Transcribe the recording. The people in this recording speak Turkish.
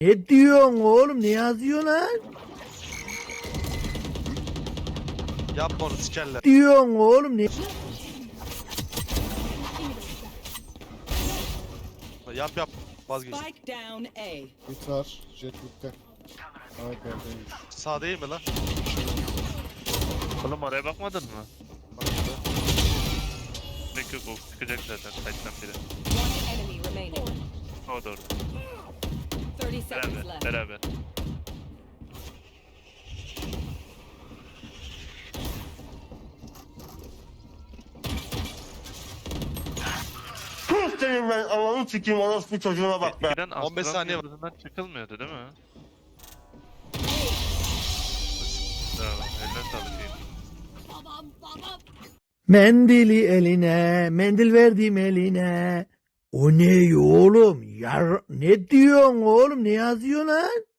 Ne diyorsun oğlum? Ne yazıyorsun lan? Yapma onu sikerler. Diyorsun oğlum? Ne? Yap yap. Vazgeç. Spike down A. Hit var. Jet bitti. Ay perdeymiş. Sağ değil mi lan? Oğlum oraya bakmadın mı? Baktı. Pek yok, o çıkacak zaten kaçtan biri. One enemy remaining. O da orada. 30 seconds Beraber, left. beraber. Senin ben Allah'ını sikeyim orospu çocuğuna bak be. Eskiden 15 Astral saniye var. yıldızından çıkılmıyordu değil mi? Bravo, eline sağlık iyi. Mendili eline, mendil verdim eline. O ne oğlum? Ne diyorsun oğlum? Ne yazıyorsun lan?